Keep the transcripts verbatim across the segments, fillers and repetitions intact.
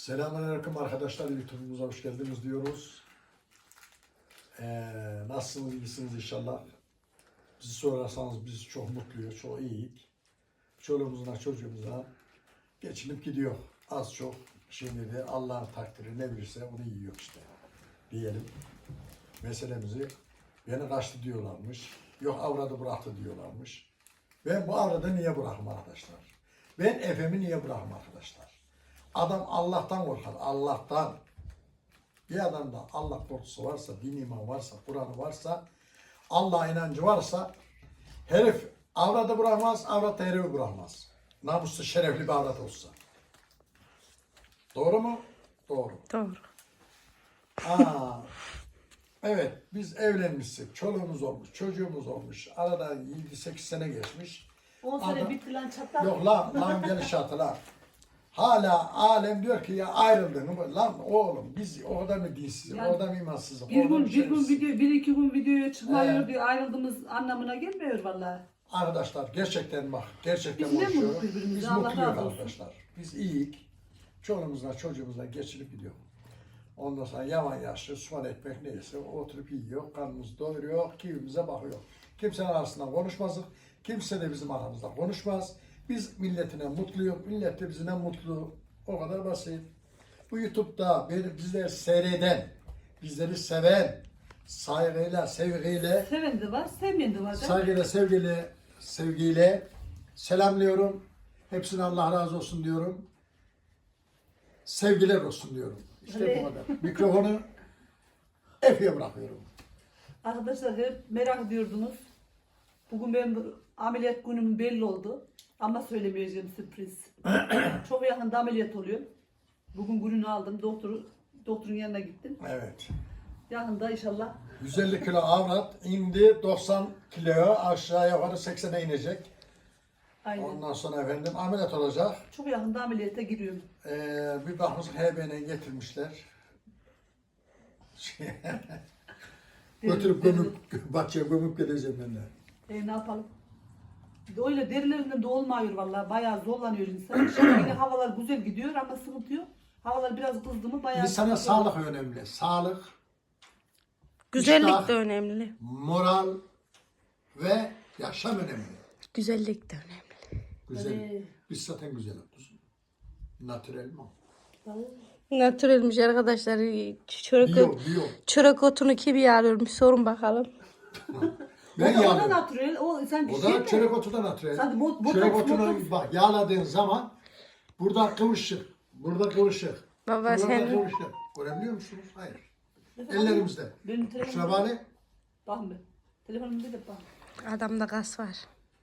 Selamünaleyküm arkadaşlar, YouTube'umuza hoş geldiniz diyoruz. Ee, nasılsınız, iyisiniz inşallah. Bizi sorarsanız biz çok mutluyuz, çok iyiyiz. Çoluğumuzla çocuğumuza geçinip gidiyor. Az çok şimdi de Allah'ın takdiri ne bilirse onu yiyor işte. Diyelim. Meselemizi beni kaçtı diyorlarmış. Yok avradı bıraktı diyorlarmış. Ben bu avradı niye bırakım arkadaşlar? Ben Efem'i niye bırakım arkadaşlar? Adam Allah'tan korkar, Allah'tan. Bir adamda Allah korkusu varsa, din iman varsa, Kur'an'ı varsa, Allah'a inancı varsa, herif avradı bırakmaz, avrat da herifi bırakmaz. Namuslu, şerefli bir avrat olsa. Doğru mu? Doğru. Doğru. Aa, evet, biz evlenmiştik, çoluğumuz olmuş, çocuğumuz olmuş. Aradan yedi sekiz sene geçmiş. on sene Adam- bitti lan çatlak. Yok lan, lan gelişatı lan. Hala alem diyor ki ya ayrıldın mı? Lan oğlum biz orada mı dinsiz, Yani orada mı imansızız, Bir orada mı gün, bir gün şerefsiz? video, bir iki gün videoya çıkmıyor Ee. diye ayrıldığımız anlamına gelmiyor vallahi. Arkadaşlar gerçekten bak, gerçekten Biz ne konuşuyorum. mutlu birbirimize, Biz Allah mutluyuz razı olsun. arkadaşlar. Biz iyiyik. Çoluğumuzla çocuğumuzla geçirip gidiyor. Ondan sonra yavan yaşlı, soğan ekmek neyse oturup yiyor, karnımızı doyuruyor, keyfimize bakıyor. Kimsenin arasında konuşmazdık, kimse de bizim aramızda konuşmaz. Biz milletine mutluyuz, millet de bizimle mutlu. O kadar basit. Bu YouTube'da beni, bizleri seyreden, bizleri seven, saygıyla, sevgiyle, Seven de var, sevmeyen de var. canım. saygıyla, sevgiyle, sevgiyle selamlıyorum. Hepsine Allah razı olsun diyorum. Sevgiler olsun diyorum. İşte Öyle. bu kadar. Mikrofonu Efe'ye bırakıyorum. Arkadaşlar hep merak ediyordunuz. Bugün benim ameliyat günüm belli oldu. Ama söylemeyeceğim, sürpriz. Çok yakında ameliyat oluyor. Bugün gününü aldım. Doktoru, doktorun yanına gittim. Evet. Yakında inşallah. yüz elli kilo avrat indi doksan kiloya, aşağı yukarı seksene inecek. Aynen. Ondan sonra efendim ameliyat olacak. Çok yakında ameliyata giriyorum. Ee, bir bakmışsın H B'ne getirmişler. Götürüp gömüp, bahçeye gömüp geleceğim ben de. E, ne yapalım? Öyle derilerinde de olmuyor vallahi. Bayağı zorlanıyor insan. Şimdi yine havalar güzel gidiyor ama sıkıntı yok. Havalar biraz kızdı mı bayağı İnsana sıkıntı olur. sağlık önemli. Sağlık, Güzellik İştah. de önemli. moral ve yaşam önemli. Güzellik de önemli. Güzel. Evet. Biz zaten güzel yapıyoruz. Natürel mi? Natürelmiş arkadaşlar. Çörek, Biyo, biyo. çörek otunu kim yağlıyormuş sorun bakalım. Ben o, da, o da yağlıyorum. natürel. O sanki O şey da mi? çörek otu da natürel. Sanki bot- botoks, Çörek otunu botoks. bak yağladığın zaman burada kıvırcık, burada kıvırcık. Baba burada sen- kıvırcık. Görebiliyor musunuz? Hayır. Ellerimizde. Benim telefonum. Şurabani. Bakın be. Telefonumda da bak. Adamda gaz var.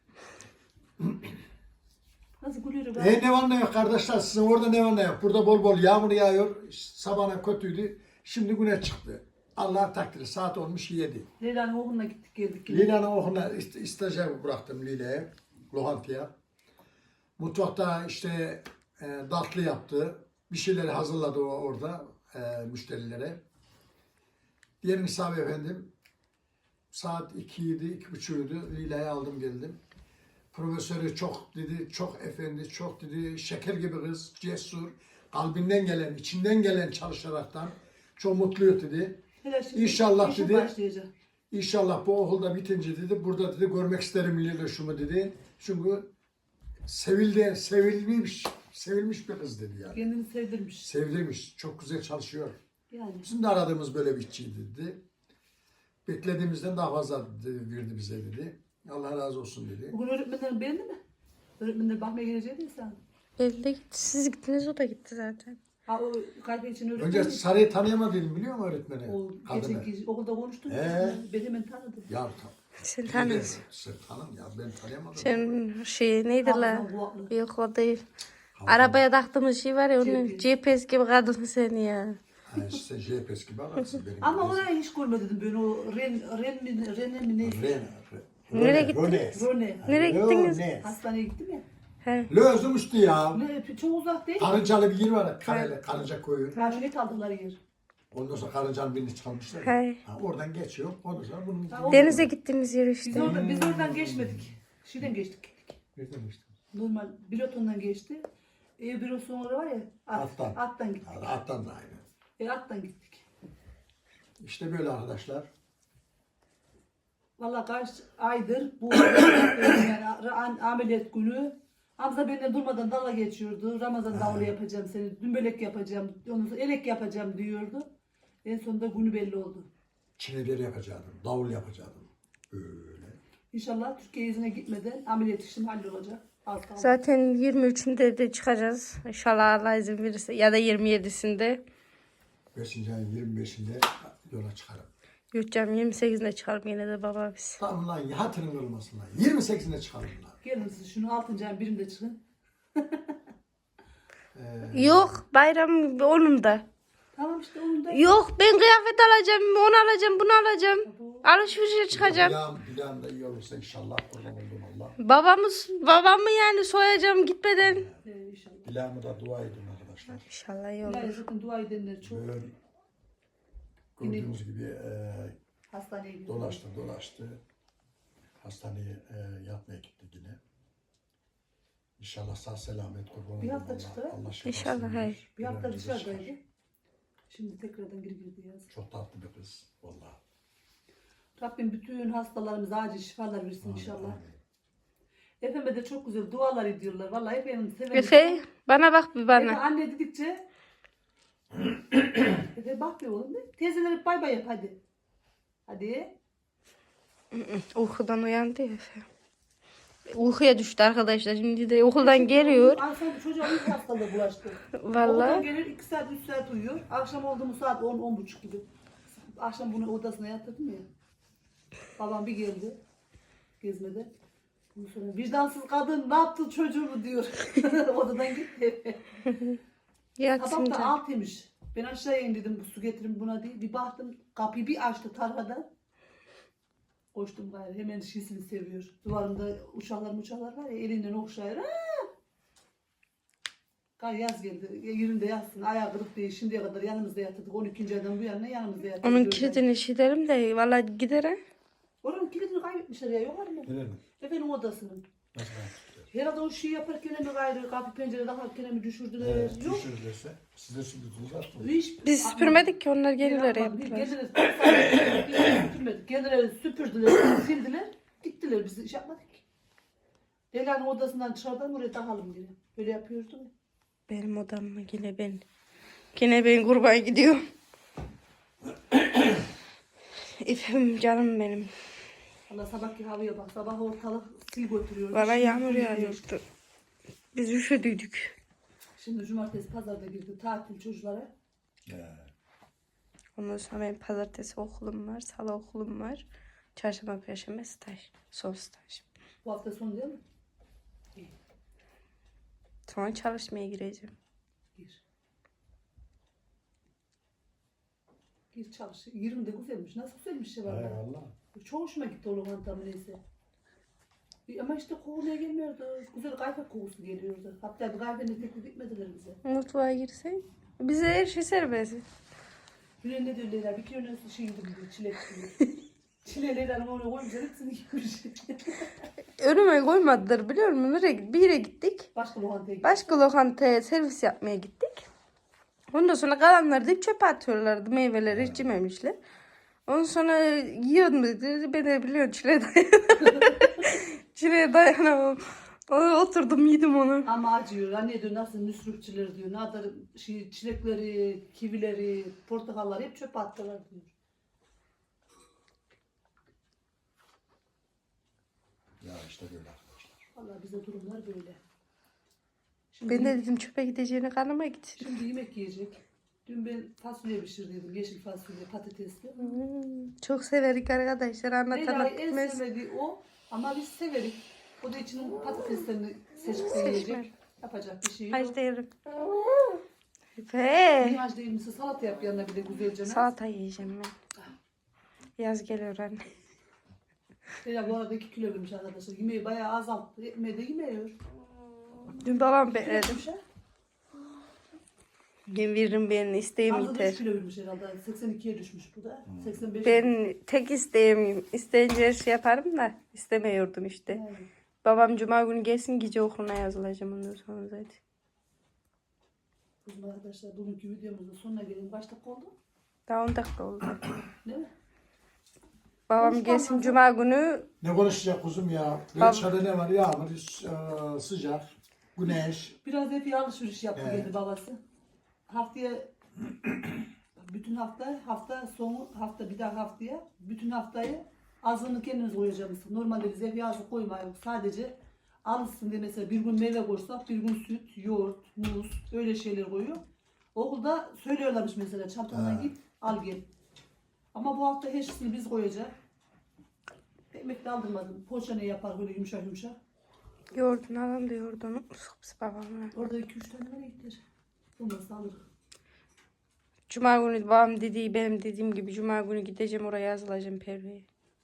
Nasıl gülüyor be? E ne var ne yok kardeşler, sizin orada ne var ne yok. Burada bol bol yağmur yağıyor. Sabahına kötüydü. Şimdi güneş çıktı. Allah takdiri. Saat olmuş yedi. Leyla'nın okuluna gittik geldik. yine. Lila'nın okuluna ist- stajyer bıraktım Lila'ya. Lokantaya. Mutfakta işte e, tatlı yaptı. Bir şeyleri hazırladı o orada e, müşterilere. Diğer misafir efendim saat ikiydi, iki buçuğuydu. Lila'yı aldım geldim. Profesörü çok dedi, çok efendi, çok dedi, şeker gibi kız, cesur, kalbinden gelen, içinden gelen çalışaraktan çok mutluydu dedi. Hele şimdi İnşallah işe dedi. başlayacak. İnşallah bu okulda bitince dedi, burada dedi görmek isterim Lila şunu dedi. Çünkü sevildi, sevilmiş, sevilmiş bir kız dedi yani. Kendini sevdirmiş. Sevdirmiş, çok güzel çalışıyor. Yani. Bizim de aradığımız böyle bir işçiydi dedi. Beklediğimizden daha fazla dedi, verdi bize dedi. Allah razı olsun dedi. Bugün öğretmenlerin beğendi mi? Öğretmenler bakmaya geleceği değil sen. Belli gitti. Siz gittiniz o da gitti zaten. Ha o kalp için öğretmen. Önce Sarı'yı tanıyamadın biliyor musun öğretmeni? O Kadını. geçen okulda konuştuk. Ee? Ben hemen tanıdım. Ya tam. Sen tanıyorsun. Sen tanım ya ben tanıyamadım. Sen şey neydi la? Hafızan kulaklı. Yok o değil. Arabaya taktığımız şey var ya onun G P S. G P S gibi kadın seni ya. Ha, işte J P S gibi adamsın benim. Ama gibi. orayı hiç görmedim ben o Ren, Ren mi, Rene mi neyse. Ren, Nereye Rone, gittiniz? Rone. Rone. Nereye gittiniz? Rone. Hastaneye gittim ya. He. Lözüm üstü ya. Ne, çok uzak değil. Karıncalı bir yer var. Karayla, Karınca koyu. Karşınet aldıkları yer. Ondan sonra karıncanın birini çalmışlar. Hay. Ha, oradan geçiyor. Ondan sonra bunun... Ha, o- Denize gittiğimiz yer Biz, işte. orada, biz oradan geçmedik. Şeyden geçtik. Nereden geçtin? Normal bilotondan geçti. E bir o sonra var ya. At, Attan. Attan gittik. Yani attan da aynı. E attan gittik. İşte böyle arkadaşlar. Valla kaç aydır bu yani a- ameliyat günü Hamza benimle durmadan dalga geçiyordu. Ramazan davulu yapacağım seni, dümbelek yapacağım, ondan sonra elek yapacağım diyordu. En sonunda günü belli oldu. Çileleri yapacaktım. Davul yapacaktım. Böyle. İnşallah Türkiye izine gitmeden ameliyat işim hallolacak. Az kaldı. Zaten yirmi üçünde de çıkacağız. İnşallah Allah izin verirse. Ya da yirmi yedisinde. beşinci ayın yirmi beşinde yola çıkarım. Yok canım yirmi sekizinde çıkarım yine de baba biz. Tamam lan hatırın olmasın lan. yirmi sekizinde çıkarım lan. Gelin siz şunu altıncı ayın birinde çıkın. Ee, Yok bayram onun da. Tamam işte onun da. Yok ben kıyafet alacağım, onu alacağım, bunu alacağım. Alışverişe çıkacağım. Bilağım, bilağım da iyi olursa inşallah kurban oldum Allah. Babamız, babamı yani soyacağım gitmeden. Ee, inşallah. Bilağımı da dua edin arkadaşlar. İnşallah iyi Yani olur. zaten dua edenler çok. Böyle gördüğünüz gibi e, Hastaneye gidiyor. dolaştı dolaştı. Hastaneye e, yatmaya gitti yine. İnşallah sağ selamet kurban Bir oldum hafta Allah. çıktı. Allah şifasını İnşallah, verir. hayır. Bir hafta Bir an önce dışarıdaydı. çıkar. Şimdi tekrardan geri girdi yaz. Çok tatlı bir kız. Vallahi. Rabbim bütün hastalarımıza acil şifalar versin inşallah. Amin. Efe'me de çok güzel dualar ediyorlar. Vallahi Efe'nin severim. Efe bana bak bir Efe bana. anne dedikçe Efe bak bir oğlum de. Teyzeler hep bay bay yap hadi. Hadi. Uykudan uyandı ya Efe. Uykuya düştü arkadaşlar. Şimdi de okuldan geliyor. Ay sen çocuğa uyku hastalığı bulaştı. Okuldan Vallahi. gelir iki saat üç saat uyuyor. Akşam oldu mu saat on on buçuk gibi. Akşam bunu odasına yatırdım ya. Babam bir geldi. Gezmede. Ondan sonra vicdansız kadın ne yaptı çocuğumu diyor. Odadan gitti. Yatsın Sabah da canım. altıymış. Ben aşağıya in dedim su getirin buna diye. Bir baktım kapıyı bir açtı tarhada. Koştum gayrı. Hemen şişini seviyor. Duvarımda uçaklar uçaklar var ya elinden okşayır. Aa! Gayrı yaz geldi. Yerinde yatsın. Ayağı kırık değil. Şimdiye kadar yanımızda yatırdık. on ikinci aydan bu yana yanımızda yatırdık. Onun Gördüm. kilidini şey derim de valla gider ha. Oranın kilidini kaybetmişler ya. Yok mu? Öyle mi? Efendim odasının. Nasıl yaptılar? Herhalde o şey yaparken mi gayrı kapı pencere takarken mi düşürdüler? Evet, Yok. düşürürlerse size sürdürdünüz artık. Hiç, Biz süpürmedik ki onlar gelirler yaptılar. Geldiler, süpürmedik. Geldiler, süpürdüler, sildiler, gittiler. Biz iş yapmadık ki. Leyla'nın odasından dışarıdan buraya takalım diye. Böyle yapıyordum. Benim odam mı yine ben. Yine ben kurban gidiyorum. Efendim canım benim. Allah sabahki havaya bak. Sabah ortalık sil götürüyor. Valla Şimdi yağmur sil yağıyordu. Biz üşüdüydük. Şimdi cumartesi pazarda girdi tatil çocuklara. He. Ondan sonra benim pazartesi okulum var, salı okulum var. Çarşamba, perşembe staj. Son staj. Bu hafta sonu değil mi? Sonra çalışmaya gireceğim. Gir. Gir çalış. yirmi de güzelmiş. Nasıl güzelmiş ya He valla. valla. Çok hoşuma gitti o lokantam neyse. E, Ama işte kokuya gelmiyordu. Güzel kahve kokusu geliyordu. Hatta bir kahvenin teklif etmediler bize. Mutfağa girsen. Bize her şey serbest. Gülen ne diyor Leyla? Bir kilo nasıl şey yedim diyor. Çilek diyor. Çileği Leyla'nın onu koymuşlar. Hepsini yemiş. Önüme koymadılar biliyor musun? Nereye, bir yere gittik. Başka lokantaya gittik. Başka lokantaya servis yapmaya gittik. Ondan sonra kalanları da çöpe atıyorlardı. Meyveleri hiç yememişler. Ondan sonra yiyordum dedi. Ben de biliyorum çileğe dayanamam. Çileğe dayanamam. Oturdum yedim onu. Ama acıyor. Anne diyor nasıl müsrifçiler diyor. Ne kadar şey, çilekleri, kivileri, portakalları hep çöpe attılar diyor. Ya işte böyle arkadaşlar. Vallahi bize durumlar böyle. Şimdi, Ben de dedim çöpe gideceğine kanıma gitsin. şimdi yemek yiyecek. Dün ben fasulye pişirdiydim. Yeşil fasulye, patatesli. Hmm, çok severik arkadaşlar. Anlatan Leyla'yı en bitmez. sevmediği o. Ama biz severik. O da içinin patateslerini seçip de Seçme. yiyecek. Yapacak bir şey yok. Hac değilim. Ve Niye hac değil misin? Salata yap yanına bir de güzelce. salata yiyeceğim ben. Yaz geliyor anne. Leyla bu arada iki kilo vermiş arkadaşlar. Yemeği bayağı azalttı. Ekmeği de yemiyor. Dün babam Kilo bekledi. vermiş ha. Ben veririm benim isteğim Arada da üç yeter. kilo vermiş herhalde. seksen ikiye düşmüş bu da. seksen beş. Ben tek isteğim, isteyince her şey yaparım da istemiyordum işte. Yani. Babam cuma günü gelsin gece okuluna yazılacağım ondan sonra zaten. Kızım arkadaşlar bugünkü videomuzun sonuna gelelim. Kaç dakika oldu? Daha on dakika oldu. Değil mi? Babam Konuşmam gelsin lazım. cuma günü. Ne konuşacak kuzum ya? Bab- Dışarıda ne var? Yağmur, e, sıcak, güneş. Biraz hep alışveriş yaptı Evet. geldi babası. Haftaya bütün hafta hafta sonu hafta bir daha haftaya bütün haftayı azını kendimiz koyacağımız. Normalde biz ev yazı koymayız. Sadece alışsın diye mesela bir gün meyve koysak bir gün süt, yoğurt, muz öyle şeyler koyuyor. Okulda söylüyorlarmış mesela çantandan Ha. git al gel. Ama bu hafta her şeyini biz koyacağız. Ekmek de aldırmadım. Poğaça ne yapar böyle yumuşak yumuşak. Yoğurdunu alalım da yoğurdunu. Sıkıps babamla. Orada iki üç tane var ektir. Bunları da alırız. Cuma günü babam dediği benim dediğim gibi cuma günü gideceğim oraya yazılacağım Perve'ye.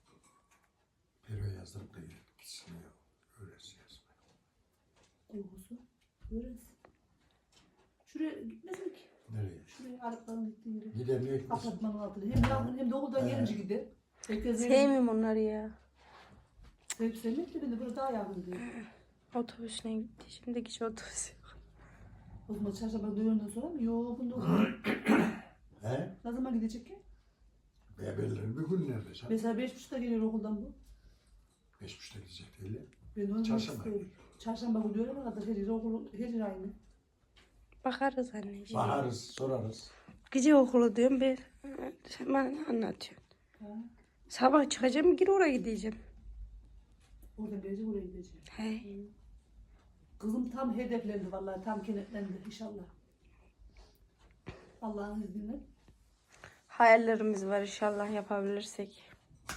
Perve yazdırıp da gitsin ya. Öylesi yazma. Uykusu. Öğrensin. Şuraya gitmesin ki. Nereye? Şuraya Arapların gittiği yere. Gider niye gitmesin? Apartmanın altına. Hem yavrum hem de okuldan He. gelince gider. Herkes evine. Sevmiyorum onları ya. Sevip sevmek de ben de burada daha yakın diyor. Otobüsüne gitti. Şimdi hiç otobüs yok. O zaman çarşamba dönüyordan sonra mı? Yok bunda okul. He? Ne zaman gidecek ki? Be belirli bir gün nerede? Sen? Mesela beş buçukta geliyor okuldan bu. Beş buçukta gidecek değil mi? Ben onu Çarşamba istiyorum. Çarşamba günü öyle kadar her yere okul, her yere aynı. Bakarız anneciğim. Bakarız, sorarız. Gece okulu diyorum ben. Sen bana ne anlatıyorsun? Ha. Sabah çıkacağım geri oraya gideceğim. Oradan gelecek oraya gidecek. He. Kızım tam hedeflendi vallahi tam kenetlendi inşallah. Allah'ın izniyle. Hayallerimiz var inşallah yapabilirsek.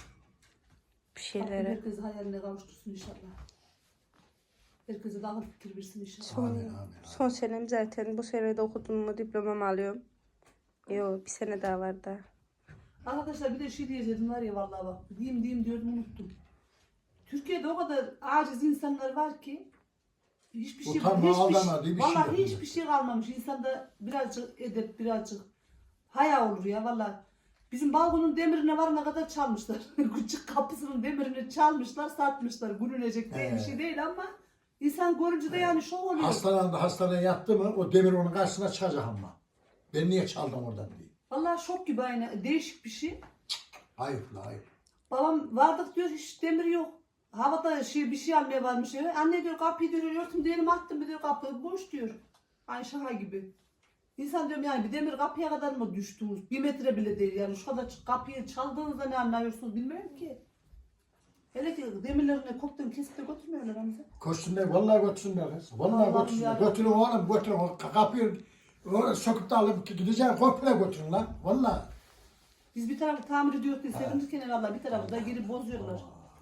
Bir Rabbim şeylere. herkesi hayaline kavuştursun inşallah. Herkese daha fikir versin inşallah. Son, Amin, amin, amin. son senem zaten. Bu sene de okudum mu diplomamı alıyorum. Yok bir sene daha var da. Arkadaşlar bir de şey diyecektim var ya vallahi bak. Diyeyim diyeyim diyordum unuttum. Türkiye'de o kadar aciz insanlar var ki hiçbir şey Utanma, hiçbir aldama diye bir şey vallahi yok. hiçbir şey kalmamış. İnsanda birazcık edep birazcık haya olur ya vallahi. Bizim balkonun demirine varana kadar çalmışlar. Küçük kapısının demirini çalmışlar, satmışlar. Gülünecek diye bir He. şey değil ama insan görünce de yani şok oluyor. Hastanede hastaneye yattı mı o demir onun karşısına çıkacak ama. Ben niye çaldım oradan diye. Vallahi şok gibi aynı. Değişik bir şey. Hayır la hayır. Babam vardık diyor hiç demir yok. Havada şey bir şey almaya varmış eve. Anne diyor kapıyı diyor örtüm diyelim attım bir diyor kapı boş diyor. Aynı şaka gibi. İnsan diyorum yani bir demir kapıya kadar mı düştünüz? Bir metre bile değil yani şu kadar kapıyı çaldığınızda ne anlıyorsunuz bilmiyorum ki. Hele ki demirlerini koptuğunu kesip de götürmüyorlar Hamza. Koşsunlar vallahi götürsünler kız. Vallahi Allah'ım götürsünler. yarabbim. Götürün oğlum götürün. O kapıyı o söküp de alıp gideceğin komple götürün lan. Vallahi. Biz bir tarafı tamir ediyoruz diye sevinirken herhalde bir tarafı da geri bozuyorlar.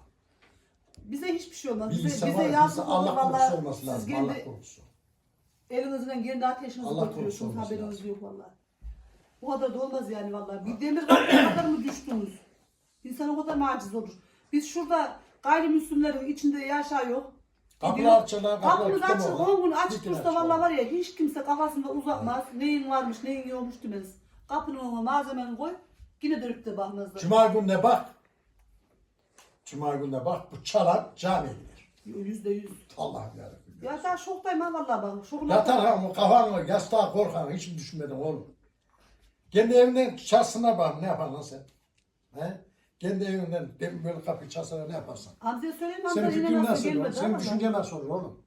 Bize hiçbir şey olmaz. Bir Bize, insan bize var ya, yazık bize olur Allah korusu vallahi. olması Siz lazım. kendi Allah korusu. elinizden kendi ateşinizi Allah götürüyorsunuz korusun olması haberiniz lazım. yok vallahi. O kadar da olmaz yani vallahi. Bir demir kapıya kadar mı düştünüz? İnsan o kadar maciz olur. Biz şurada gayrimüslimlerin içinde yaşıyor. Kapılar açılır, kapılar Kapımız açık, tutamıyorlar. on gün açık Bütün dursa açık vallahi olur. var ya hiç kimse kafasında uzatmaz. Neyin varmış, neyin yokmuş demez. Kapının önüne malzemeni koy, yine dönüp de bakmazlar. Cuma gününe bak. Cuma gününe bak. Bu çalar camiye gider. Yüzde yüz. Allah'ım yarabbim. Ya sen şoktayım ha vallahi bak. Şokuna Yatar ha mı kafanı yastığa korkan hiç mi düşünmedin oğlum? Kendi evinden çalsınlar bak ne yapar lan sen? He? Kendi evinden dem- böyle kapıyı çalsana ne yaparsın? Hamza'ya söyleyeyim Senin Hamza yine fikrin nasıl nasıl olur? gelmedi Senin ama. düşüncen nasıl olur oğlum?